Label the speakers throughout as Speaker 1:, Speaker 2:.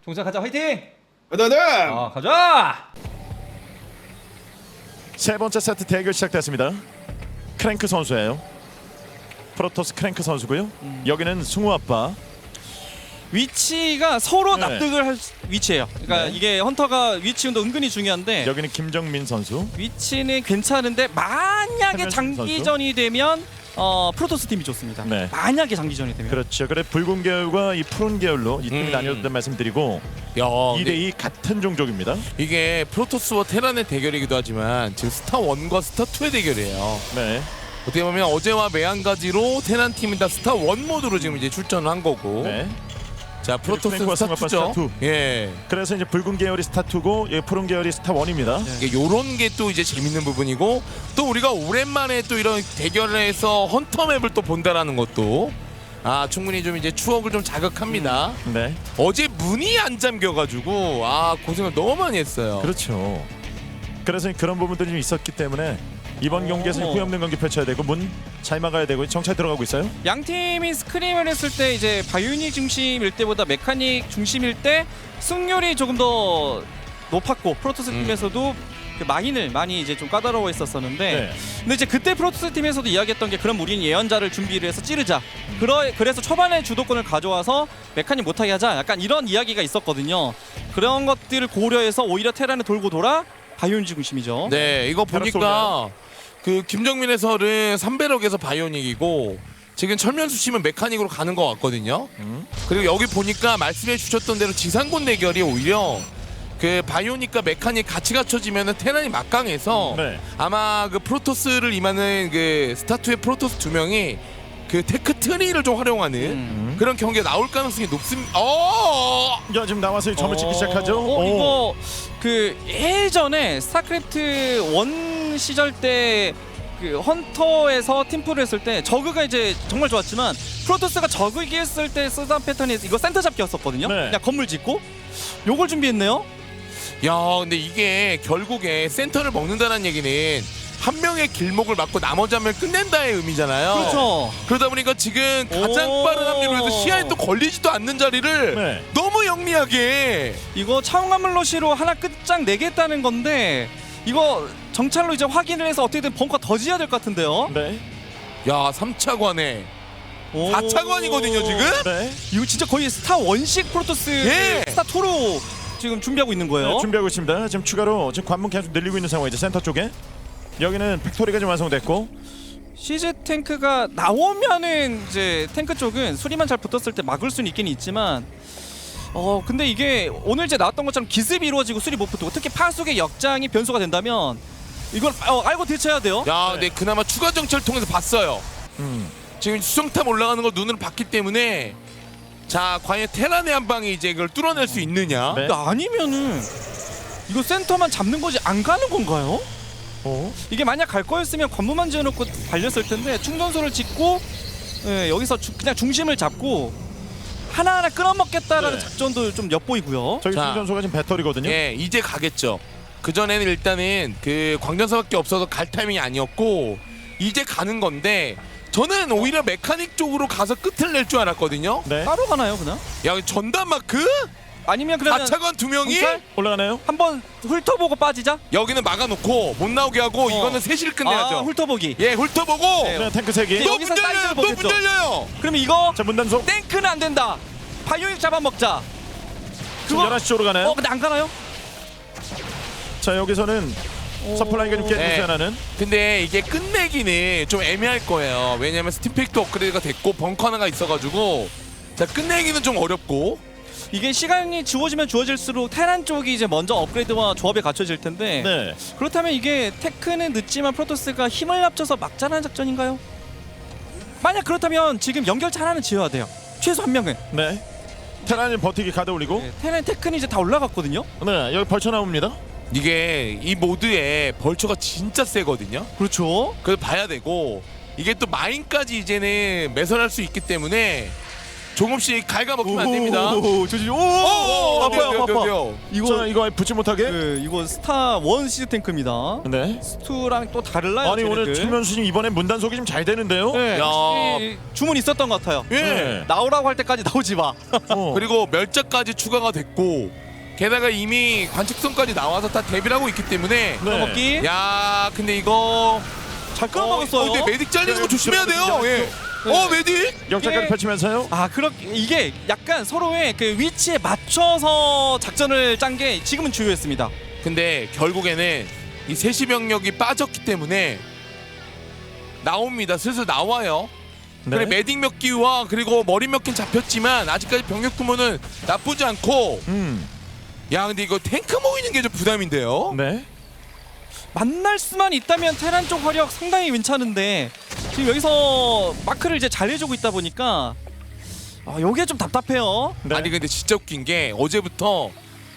Speaker 1: 동생 가자 화이팅!
Speaker 2: 네네.
Speaker 1: 가자!
Speaker 3: 세 번째 세트 대결 시작됐습니다. 크랭크 선수예요. 프로토스 크랭크 선수고요. 여기는 승우 아빠.
Speaker 4: 위치가 서로
Speaker 3: 네.
Speaker 4: 납득을 할 위치예요. 그러니까
Speaker 3: 네.
Speaker 4: 이게 헌터가 위치도 은근히 중요한데
Speaker 3: 여기는 김정민 선수.
Speaker 4: 위치는 괜찮은데 만약에
Speaker 3: 한명식
Speaker 4: 장기전이 되면 프로토스 팀이 좋습니다.
Speaker 3: 네.
Speaker 4: 만약에 장기전이 되면.
Speaker 3: 그렇죠. 그래 붉은 계열과 이 푸른 계열로 이 팀이 나뉘었다는 말씀드리고
Speaker 5: 야,
Speaker 3: 2대2 같은 종족입니다.
Speaker 5: 이게 프로토스와 테란의 대결이기도 하지만 지금 스타 1과 스타 2의 대결이에요.
Speaker 3: 네.
Speaker 5: 어떻게 보면 어제와 매한가지로 테란 팀이 다 스타 1 모드로 지금 이제 출전을 한 거고.
Speaker 3: 네.
Speaker 5: 자, 프로토스
Speaker 3: 크랭크와
Speaker 5: 스타
Speaker 3: 승아빠
Speaker 5: 2죠.
Speaker 3: 스타 2.
Speaker 5: 예.
Speaker 3: 그래서 이제 붉은 계열이 스타 2고 이 푸른 계열이 스타 1입니다.
Speaker 5: 이게 요런 게 또 이제 재밌는 부분이고 또 우리가 오랜만에 또 이런 대결에서 헌터 맵을 또 본다라는 것도 충분히 좀 이제 추억을 좀 자극합니다.
Speaker 3: 네.
Speaker 5: 어제 문이 안 잠겨가지고 고생을 너무 많이 했어요.
Speaker 3: 그렇죠. 그래서 그런 부분들이 좀 있었기 때문에 이번 경기에서 후회 없는 경기 펼쳐야 되고 문 잘 막아야 되고 정찰 들어가고 있어요.
Speaker 4: 양 팀이 스크림을 했을 때 이제 바이오닉 중심일 때보다 메카닉 중심일 때 승률이 조금 더 높았고 프로토스 팀에서도 그 마인을 많이 이제 좀 까다로워했었었는데
Speaker 3: 네.
Speaker 4: 근데 이제 그때 프로토스 팀에서도 이야기했던 게 그럼 우리는 예언자를 준비를 해서 찌르자. 그래서 초반에 주도권을 가져와서 메카닉 못하게 하자. 약간 이런 이야기가 있었거든요. 그런 것들을 고려해서 오히려 테란을 돌고 돌아 바이오닉 중심이죠.
Speaker 5: 네, 이거
Speaker 3: 테라스
Speaker 5: 보니까 그 김정민 해설은 3배럭에서 바이오닉이고 지금 철면수 씨는 메카닉으로 가는 것 같거든요. 그리고 여기 보니까 말씀해 주셨던 대로 지상군 대결이 오히려 그 바이오닉과 메카닉 같이 갖춰지면은 테란이 막강해서
Speaker 3: 네.
Speaker 5: 아마 그 프로토스를 임하는 그 스타2의 프로토스 2명이 그 테크 트리를 좀 활용하는 그런 경기가 나올 가능성이 높습니다.
Speaker 3: 야, 지금 나와서 점을 찍기 시작하죠.
Speaker 4: 이거 그 예전에 스타크래프트 1 시절 때 그 헌터에서 팀플을 했을 때 저그가 이제 정말 좋았지만 프로토스가 저그 이겼을 때 쓰던 패턴이 이거 센터 잡기였었거든요.
Speaker 3: 네.
Speaker 4: 그냥 건물 짓고 요걸 준비했네요.
Speaker 5: 야, 근데 이게 결국에 센터를 먹는다는 얘기는 한 명의 길목을 막고 나머지 한 명 끝낸다의 의미잖아요.
Speaker 4: 그렇죠.
Speaker 5: 그러다 보니까 지금 가장
Speaker 4: 오.
Speaker 5: 빠른 합류로 해서 시야에 또 걸리지도 않는 자리를
Speaker 3: 네.
Speaker 5: 너무 영리하게.
Speaker 4: 이거 차원관물러시로 하나 끝장 내겠다는 건데 이거 정찰로 이제 확인을 해서 어떻게든 벙커 더 지어야 될 것 같은데요.
Speaker 3: 네.
Speaker 5: 야, 3차관에
Speaker 4: 오.
Speaker 5: 4차관이거든요 지금.
Speaker 3: 네.
Speaker 4: 이거 진짜 거의 스타 원식 프로토스
Speaker 5: 예.
Speaker 4: 스타 2로 지금 준비하고 있는 거예요.
Speaker 3: 네, 준비하고 있습니다. 지금 추가로 지금 관문 계속 늘리고 있는 상황이죠. 센터 쪽에. 여기는 팩토리가 좀 완성됐고.
Speaker 4: 시즈 탱크가 나오면은 이제 탱크 쪽은 수리만 잘 붙었을 때 막을 수는 있긴 있지만 근데 이게 오늘 이제 나왔던 것처럼 기습이 이루어지고 수리 못 붙고 특히 파수의 역장이 변수가 된다면 이걸 알고 대처해야 돼요.
Speaker 5: 야, 근데 그나마 추가 정찰 통해서 봤어요. 지금 수정탑 올라가는 걸 눈으로 봤기 때문에 자, 과연 테란의 한 방이 이제 이걸 뚫어낼 수 있느냐?
Speaker 3: 네.
Speaker 4: 근데 아니면은 이거 센터만 잡는 거지 안 가는 건가요? 이게 만약 갈 거였으면 관문만 지어놓고 달렸을 텐데 충전소를 짓고 여기서 그냥 중심을 잡고 하나하나 끌어먹겠다라는
Speaker 3: 네.
Speaker 4: 작전도 좀 엿보이고요.
Speaker 3: 저기
Speaker 5: 자.
Speaker 3: 충전소가 지금 배터리거든요.
Speaker 5: 예, 이제 가겠죠. 그 전에는 일단은 그 광전사밖에 없어서 갈 타이밍이 아니었고 이제 가는 건데 저는 오히려 메카닉 쪽으로 가서 끝을 낼 줄 알았거든요.
Speaker 3: 네.
Speaker 4: 따로 가나요 그냥?
Speaker 5: 야, 전담 마크?
Speaker 4: 아니면 그러면
Speaker 5: 4차관 두 명이
Speaker 4: 정찰?
Speaker 3: 올라가나요?
Speaker 4: 한번 훑어보고 빠지자?
Speaker 5: 여기는 막아놓고 못 나오게 하고 이거는 셋이를 끝내야죠.
Speaker 4: 훑어보기.
Speaker 5: 예, 훑어보고
Speaker 4: 네.
Speaker 3: 네, 탱크 3개.
Speaker 4: 또-
Speaker 5: 또
Speaker 4: 여기서
Speaker 5: 문 열려요.
Speaker 4: 사이즈를
Speaker 5: 또 문
Speaker 4: 보겠죠.
Speaker 5: 열려요.
Speaker 4: 그러면 이거
Speaker 3: 자, 문단속.
Speaker 4: 탱크는 안 된다. 바이오닉 잡아먹자.
Speaker 3: 지금 11시 쪽으로 가나요?
Speaker 4: 근데 안 가나요?
Speaker 3: 자, 여기서는 서플라이가 좀 깨지고
Speaker 5: 네.
Speaker 3: 있어요, 하나는.
Speaker 5: 근데 이게 끝내기는 좀 애매할 거예요. 왜냐면 스팀팩도 업그레이드가 됐고 벙커 하나가 있어가지고 자, 끝내기는 좀 어렵고.
Speaker 4: 이게 시간이 주어지면 주어질수록 테란 쪽이 이제 먼저 업그레이드와 조합에 갖춰질 텐데
Speaker 3: 네.
Speaker 4: 그렇다면 이게 테크는 늦지만 프로토스가 힘을 합쳐서 막자라는 작전인가요? 만약 그렇다면 지금 연결차 하나는 지어야 돼요. 최소 한 명은.
Speaker 3: 네. 테란이 버티기 가다 올리고.
Speaker 4: 테란 테크는 이제 다 올라갔거든요.
Speaker 3: 네, 여기 벌쳐 나옵니다.
Speaker 5: 이게 이 모드에 벌처가 진짜 세거든요.
Speaker 4: 그렇죠.
Speaker 5: 그걸 봐야 되고 이게 또 마인까지 이제는 매설할 수 있기 때문에 조금씩 갉아먹히면 안 됩니다.
Speaker 4: 조지. 오,
Speaker 5: 어때요,
Speaker 4: 아파.
Speaker 5: 어때요?
Speaker 3: 자, 이거 붙지 못하게.
Speaker 4: 네, 이거 스타 원 시즈 탱크입니다.
Speaker 3: 네.
Speaker 4: 스투랑 또 달라요.
Speaker 3: 아니 오늘
Speaker 4: 쟤네들.
Speaker 3: 최면수님 이번에 문단속이 좀 잘 되는데요.
Speaker 4: 네,
Speaker 5: 야.
Speaker 4: 확실히 주문 있었던 것 같아요.
Speaker 5: 예.
Speaker 3: 네.
Speaker 4: 나오라고 할 때까지 나오지 마.
Speaker 3: 어.
Speaker 5: 그리고 멸자까지 추가가 됐고 게다가 이미 관측선까지 나와서 다 대비를 하고 있기 때문에
Speaker 3: 네.
Speaker 4: 먹기
Speaker 5: 야 근데 이거
Speaker 4: 잘 끌어먹었어요.
Speaker 5: 근데 메딕 잘리는 거 조심해야 돼요. 예.
Speaker 4: 네.
Speaker 5: 메딕.
Speaker 3: 역작까지
Speaker 4: 이게-
Speaker 3: 펼치면서요.
Speaker 4: 아, 이게 약간 서로의 그 위치에 맞춰서 작전을 짠 게 지금은 주요했습니다.
Speaker 5: 근데 결국에는 이 세시 병력이 빠졌기 때문에 나옵니다. 슬슬 나와요.
Speaker 3: 네.
Speaker 5: 그래 메딕 몇 기와 그리고 머리 몇 개 잡혔지만 아직까지 병력 규모는 나쁘지 않고 야 근데 이거 탱크 모이는 게 좀 부담인데요.
Speaker 3: 네.
Speaker 4: 만날 수만 있다면 테란 쪽 화력 상당히 괜찮은데 지금 여기서 마크를 이제 잘 해주고 있다 보니까 요게 좀 답답해요.
Speaker 3: 네.
Speaker 5: 아니 근데 진짜 웃긴 게 어제부터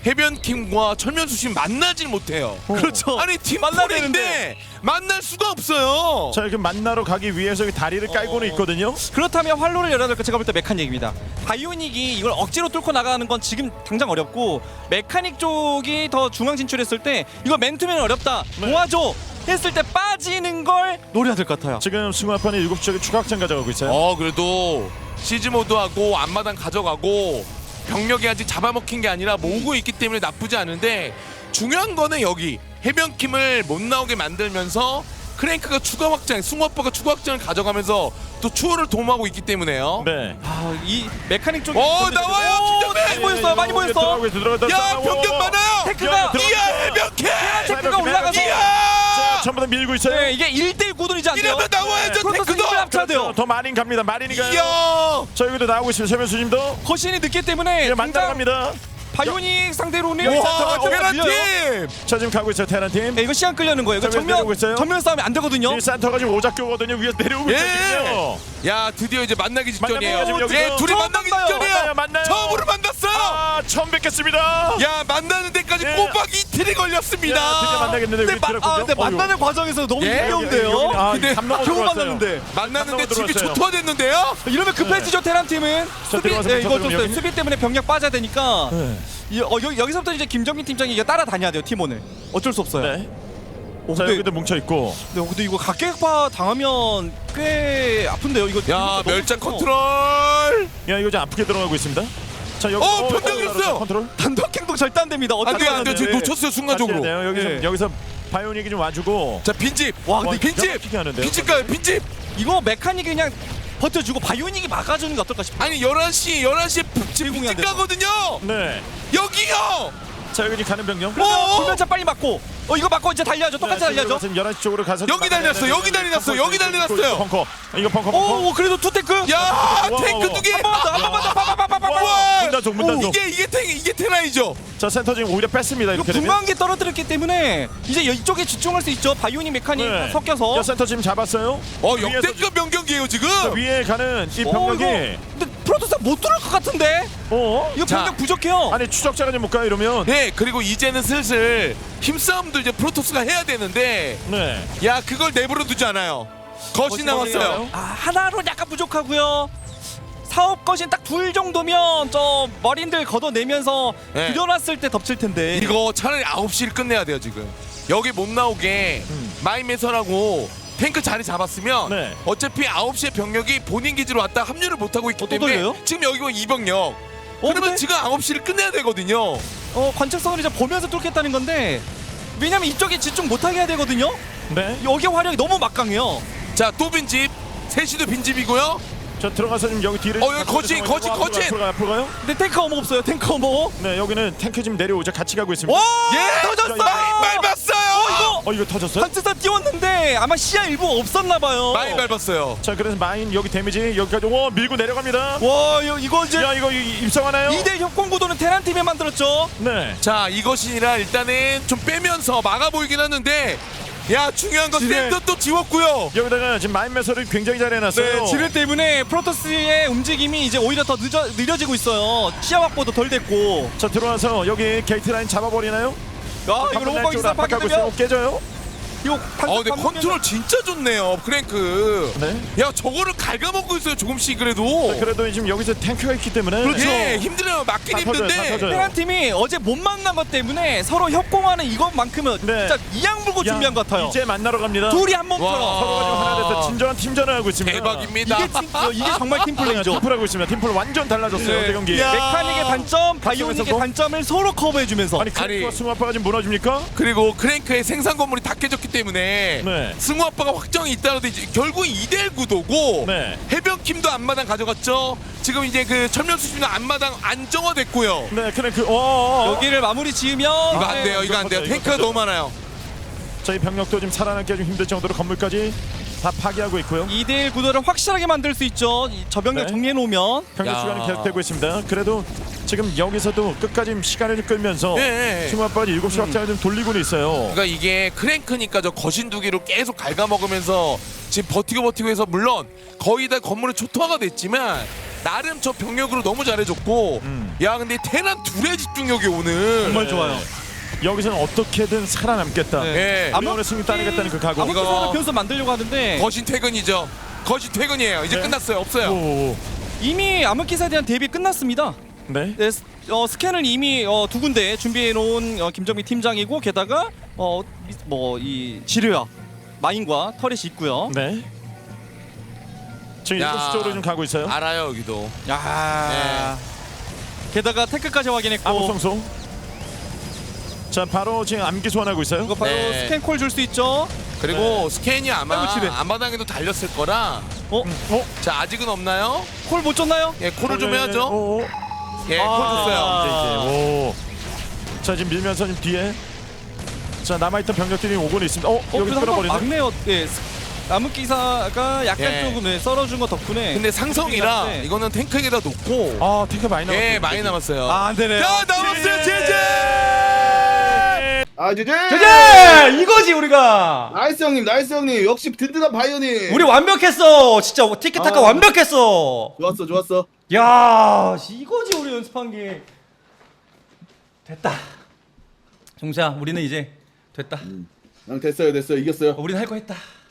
Speaker 5: 해변킴과 철면수심 만나질 못해요.
Speaker 4: 그렇죠.
Speaker 5: 아니 팀
Speaker 4: 만나야
Speaker 5: 만나는데 만날 수가 없어요.
Speaker 3: 자, 이렇게 만나러 가기 위해서 이 다리를 깔고는 있거든요.
Speaker 4: 그렇다면 활로를 열어야 될까 제가 볼 때 메카닉입니다. 바이오닉이 이걸 억지로 뚫고 나가는 건 지금 당장 어렵고 메카닉 쪽이 더 중앙 진출했을 때 이거 맨투맨 어렵다
Speaker 3: 네.
Speaker 4: 도와줘 했을 때 빠지는 걸 노려야 될 것 같아요.
Speaker 3: 지금 승화판이 7쪽에 추가 확장 가져가고 있어요.
Speaker 5: 그래도 시즈 모드하고 앞마당 가져가고 병력이 아직 잡아먹힌 게 아니라 모으고 있기 때문에 나쁘지 않은데 중요한 거는 여기 해변킴을 못 나오게 만들면서 크랭크가 추가 확장, 승화빠가 추가 확장을 가져가면서 또 추월을 도모하고 있기 때문에요.
Speaker 3: 네.
Speaker 4: 이 메카닉 쪽이
Speaker 5: 나와요, 김정민!
Speaker 4: 많이 보였어요. 많이 보였어.
Speaker 5: 야 병력 많아요.
Speaker 4: 테크가
Speaker 5: 이야 해변킴!
Speaker 4: 테크가 올라가서
Speaker 5: 이야!
Speaker 3: 자, 전부 다 밀고 있어요.
Speaker 4: 네, 이게 1대1 구도이지 않대요.
Speaker 5: 이러면 나와야죠
Speaker 4: 프로토스
Speaker 5: 테크도.
Speaker 4: 힘을 합쳐야 돼요.
Speaker 3: 더 마린 갑니다. 마린이 가요.
Speaker 5: 이야!
Speaker 3: 자, 여기도 나오고 있습니다. 최면수님도
Speaker 4: 거신이 늦기 때문에
Speaker 3: 이제 만나러 갑니다.
Speaker 4: 바이오닉 상대로는
Speaker 5: 와
Speaker 4: 밀려요.
Speaker 5: 테란팀!
Speaker 3: 자, 지금 가고 있어요. 테란 팀.
Speaker 4: 네, 이거 시간 끌려는 거예요. 이거
Speaker 3: 자, 위에서 내려오고 있어요?
Speaker 4: 전면 싸움이 안 되거든요.
Speaker 3: 이 산터가 지금 오작교거든요. 위에서 내려오고 있거든요.
Speaker 5: 야 드디어 이제 만나기 직전이에요.
Speaker 3: 만나요, 지금
Speaker 5: 예,
Speaker 3: 여기서.
Speaker 5: 둘이
Speaker 4: 처음
Speaker 5: 만나기
Speaker 4: 만나요.
Speaker 5: 직전이에요.
Speaker 3: 만나요.
Speaker 5: 처음으로 만났어요.
Speaker 3: 아, 처음 뵙겠습니다.
Speaker 5: 야 만나는 데까지
Speaker 3: 예.
Speaker 5: 꼬박 이틀이 걸렸습니다.
Speaker 3: 야, 드디어 만나겠는데
Speaker 4: 근데,
Speaker 3: 여기 들어갔군요.
Speaker 4: 근데 만나는 과정에서 너무
Speaker 5: 예,
Speaker 4: 힘겨운데요.
Speaker 5: 근데
Speaker 4: 겨우 만났는데
Speaker 5: 만났는데 집이
Speaker 3: 들어왔어요.
Speaker 5: 초토화됐는데요.
Speaker 4: 이러면 급해지죠 테란 팀은. 수비
Speaker 3: 들어가서
Speaker 4: 네, 이거
Speaker 3: 붙어서
Speaker 4: 좀
Speaker 3: 여기.
Speaker 4: 수비 때문에 병력 빠져야 되니까
Speaker 3: 네.
Speaker 4: 여기서부터 이제 김정민 팀장이 이거 따라다녀야 돼요 팀원을. 어쩔 수 없어요.
Speaker 3: 네.
Speaker 4: 어,
Speaker 3: 자,
Speaker 4: 근데,
Speaker 3: 여기도 뭉쳐 있고.
Speaker 4: 근데 이거 각계파 당하면 꽤 아픈데요. 이거
Speaker 5: 야
Speaker 4: 너무
Speaker 5: 멸자
Speaker 4: 커서.
Speaker 5: 컨트롤.
Speaker 3: 야, 이거 좀 아프게 들어가고 있습니다. 자, 여기
Speaker 5: 변경했어요.
Speaker 3: 컨트롤.
Speaker 4: 단독 행동 절대 안 됩니다. 어떻게
Speaker 5: 안돼 안돼 지금
Speaker 3: 네.
Speaker 5: 놓쳤어요 순간적으로.
Speaker 3: 같이 해야 돼요. 여기서
Speaker 4: 예.
Speaker 3: 여기서 바이오닉이 좀 와주고.
Speaker 5: 자 빈집.
Speaker 4: 와 근데
Speaker 3: 기가
Speaker 5: 빈집.
Speaker 3: 막히게 하는데요.
Speaker 5: 빈집 가요 빈집.
Speaker 4: 이거 메카닉이 그냥 버텨주고 바이오닉이 막아주는 게 어떨까 싶어요.
Speaker 5: 아니 11시에
Speaker 4: 제공이 안
Speaker 5: 빈집
Speaker 4: 돼서.
Speaker 5: 가거든요.
Speaker 3: 네.
Speaker 5: 여기요.
Speaker 3: 자, 여기 지금 가는 병력.
Speaker 5: 어?
Speaker 4: 불면차 빨리 맞고 이거 맞고 이제 달려야죠. 똑같이 달려야죠.
Speaker 3: 지금 11시 쪽으로 가서
Speaker 5: 여기 달렸어, 여기 달렸어, 여기 달렸어요.
Speaker 3: 펑커. 이거 펑커.
Speaker 4: 오 그래도 투테크.
Speaker 5: 야
Speaker 3: 와,
Speaker 5: 탱크
Speaker 3: 와,
Speaker 5: 두 개.
Speaker 4: 한번더 파파파파파.
Speaker 5: 와.
Speaker 3: 문단속, 문단속.
Speaker 5: 이게 테라이죠.
Speaker 3: 자, 센터 지금 오히려 뺐습니다.
Speaker 4: 이거
Speaker 3: 이렇게 되면.
Speaker 4: 분명한 게 떨어뜨렸기 때문에 이제 이쪽에 집중할 수 있죠. 바이오닉 메카닉
Speaker 3: 네.
Speaker 4: 섞여서.
Speaker 3: 야, 센터 지금 잡았어요. 위에서
Speaker 5: 역대급 명경기예요 지금.
Speaker 3: 자, 위에 가는 이
Speaker 4: 이거
Speaker 3: 병력이
Speaker 4: 근데 프로토스가 못 들을 것 같은데. 이거
Speaker 5: 자,
Speaker 4: 병력 부족해요.
Speaker 3: 아니 추적자가 좀 못 가요 이러면.
Speaker 5: 네 그리고 이제는 슬슬 힘싸움도 이제 프로토스가 해야 되는데
Speaker 3: 네.
Speaker 5: 야 그걸 내버려 두지 않아요. 거신 남았어요.
Speaker 4: 하나로 약간 부족하고요. 사업 거신 딱 둘 정도면 저 머린들 걷어내면서
Speaker 5: 네.
Speaker 4: 들여놨을 때 덮칠 텐데.
Speaker 5: 이거 차라리 9시를 끝내야 돼요 지금. 여기 못 나오게 마이메서라고 탱크 자리 잡았으면
Speaker 3: 네.
Speaker 5: 어차피 9시에 병력이 본인 기지로 왔다 합류를 못하고 있기
Speaker 4: 또
Speaker 5: 때문에
Speaker 4: 돌려요?
Speaker 5: 지금 여기 뭐 2병력 그러면
Speaker 4: 근데?
Speaker 5: 지금 9시를 끝내야 되거든요.
Speaker 4: 관측선을 이제 보면서 뚫겠다는 건데 왜냐면 이쪽에 집중 못하게 해야 되거든요.
Speaker 3: 네.
Speaker 4: 여기 화력이 너무 막강해요.
Speaker 5: 자 또 빈집 셋이도 빈집이고요.
Speaker 3: 자, 들어가서 지금 여기 뒤를.
Speaker 5: 여기 거친.
Speaker 3: 앞으로 가요.
Speaker 4: 근데 탱크 어머 없어요. 탱크 어머.
Speaker 3: 네, 여기는 탱크 지금 내려오자 같이 가고 있습니다.
Speaker 5: 예
Speaker 4: 터졌어.
Speaker 5: 많이 밟았어요.
Speaker 4: 이거
Speaker 3: 이거 터졌어요?
Speaker 4: 관측선 띄웠는데 아마 시야 일부 없었나 봐요.
Speaker 5: 많이 밟았어요.
Speaker 3: 자, 그래서 마인 여기 데미지 여기까지 밀고 내려갑니다.
Speaker 4: 와 이거 이제
Speaker 3: 야, 이거 입성하나요?
Speaker 4: 2대 협공 구도는 테란 팀에 만들었죠.
Speaker 3: 네.
Speaker 5: 자 이것이니라 일단은 좀 빼면서 막아 보이긴 하는데 야 중요한 건
Speaker 4: 지뢰.
Speaker 5: 센터 또 지웠고요.
Speaker 3: 여기다가 지금 마인 매설을 굉장히 잘 해놨어요.
Speaker 4: 네, 지뢰 때문에 프로토스의 움직임이 이제 오히려 더 느려지고 있어요. 시야 확보도 덜 됐고.
Speaker 3: 자, 들어와서 여기 게이트 라인 잡아버리나요?
Speaker 4: 야 이거 로봇 기사
Speaker 3: 가고
Speaker 4: 파괴되면
Speaker 3: 있어요. 깨져요.
Speaker 4: 이거
Speaker 5: 근데 컨트롤 진짜 좋네요 크랭크.
Speaker 3: 네.
Speaker 5: 야 저거를 갉아먹고 있어요 조금씩 그래도.
Speaker 3: 그래도 지금 여기서 탱크가 있기 때문에
Speaker 5: 그렇죠. 예, 힘들어요. 막긴
Speaker 3: 다 터져요, 다
Speaker 5: 힘든데.
Speaker 3: 터져요.
Speaker 4: 테란 팀이 어제 못 만난 것 때문에 서로 협공하는 이것만큼은
Speaker 3: 네.
Speaker 4: 진짜 이양 물고
Speaker 3: 야,
Speaker 4: 준비한 것 같아요.
Speaker 3: 이제 만나러 갑니다.
Speaker 4: 둘이 한
Speaker 5: 와.
Speaker 4: 몸처럼.
Speaker 3: 서로가 지금 하나 돼서 진정한 팀전을 하고 있습니다.
Speaker 5: 대박입니다.
Speaker 4: 이게 정말 팀플레이죠.
Speaker 3: 팀플하고 있습니다. 팀플 완전 달라졌어요.
Speaker 4: 네.
Speaker 3: 어제 경기.
Speaker 5: 야.
Speaker 4: 메카닉의 단점, 바이오닉의
Speaker 3: 각성에서도?
Speaker 4: 단점을 서로 커버해주면서.
Speaker 3: 아니 크랭크와 승우 아빠가 지금 무너집니까?
Speaker 5: 그리고 크랭크의 생산 건물이 다 깨졌기 때문에
Speaker 3: 네.
Speaker 5: 승우 아빠가 확정이 있다는데 이제 결국 2대1 구도고
Speaker 3: 네.
Speaker 5: 해병팀도 앞마당 가져갔죠. 지금 이제 그 철면수심도 앞마당 안정화됐고요.
Speaker 3: 네, 크랭크.
Speaker 4: 여기를 마무리 지으면
Speaker 5: 이거 안 돼요. 이거 안 돼요.
Speaker 3: 이거
Speaker 5: 탱크가 너무 많아요.
Speaker 3: 저희 병력도 지금 살아남기 좀 힘들 정도로 건물까지 다 파괴하고 있고요.
Speaker 4: 2대1 구도를 확실하게 만들 수 있죠. 저 병력
Speaker 3: 네.
Speaker 4: 정리해놓으면.
Speaker 3: 병력
Speaker 5: 야.
Speaker 3: 시간이 계속되고 있습니다. 그래도 지금 여기서도 끝까지 시간을 끌면서
Speaker 5: 예.
Speaker 3: 승우 아빠가 7시 확장을 좀 돌리고는 있어요.
Speaker 5: 그러니까 이게 크랭크니까 저 거신 두 개로 계속 갉아먹으면서 지금 버티고 해서 물론 거의 다 건물은 초토화가 됐지만 나름 저 병력으로 너무 잘해줬고 야 근데 테란 둘의 집중력이 오늘
Speaker 4: 정말 좋아요.
Speaker 3: 여기서는 어떻게든 살아남겠다.
Speaker 5: 예.
Speaker 3: 우리 오늘 승리 따내겠다는 그 각오.
Speaker 4: 아무튼
Speaker 5: 이거-
Speaker 4: 변수 만들려고 하는데
Speaker 5: 거신 퇴근이죠. 거신 퇴근이에요. 이제
Speaker 3: 네.
Speaker 5: 끝났어요. 없어요.
Speaker 3: 오.
Speaker 4: 이미 암흑기사에 대한 대비 끝났습니다.
Speaker 3: 네.
Speaker 4: 네, 스캔을 이미 두 군데 준비해 놓은 김정민 팀장이고 게다가 뭐 이 지뢰와 마인과 터렛이 있고요.
Speaker 3: 네. 지금
Speaker 5: 야.
Speaker 3: 7시 쪽으로 좀 가고 있어요.
Speaker 5: 알아요 여기도.
Speaker 4: 야. 게다가 탱크까지 확인했고
Speaker 3: 암흑성소. 자, 바로 지금 암기 소환하고 있어요.
Speaker 4: 이거 바로
Speaker 5: 네.
Speaker 4: 스캔 콜 줄 수 있죠.
Speaker 5: 그리고 스캔이 아마
Speaker 4: 아이고, 지뢰.
Speaker 5: 앞마당에도 달렸을 거라. 자 아직은 없나요?
Speaker 4: 콜 못 줬나요?
Speaker 5: 예 콜을 좀 해야죠.
Speaker 3: 오.
Speaker 5: 예 콜 줬어요.
Speaker 3: 이제. 오. 자, 지금 밀면서 지금 뒤에 자, 남아있던 병력들이 오고는 있습니다. 여기
Speaker 4: 그래서 한번
Speaker 3: 끌어버리네.
Speaker 4: 막네요. 네, 암흑기사가 약간
Speaker 5: 예.
Speaker 4: 조금 썰어준 것 덕분에.
Speaker 5: 근데 상성이라
Speaker 4: 네.
Speaker 5: 이거는 탱크에다 놓고
Speaker 3: 아, 탱크 많이 남았어요.
Speaker 5: 예 많이 남았어요.
Speaker 4: 안 되네요.
Speaker 5: 야 남았어요 제제.
Speaker 2: 아 제제
Speaker 1: 제제 이거지 우리가.
Speaker 2: 나이스 형님 나이스 형님 역시 든든한 바이오님
Speaker 1: 우리 완벽했어. 진짜 티키타카
Speaker 2: 아.
Speaker 1: 완벽했어.
Speaker 2: 좋았어 좋았어
Speaker 1: 야 이거지 우리 연습한 게. 됐다. 종수야 우리는 이제 됐다.
Speaker 2: 난 됐어요 이겼어요
Speaker 1: 우리는 할 거 했다.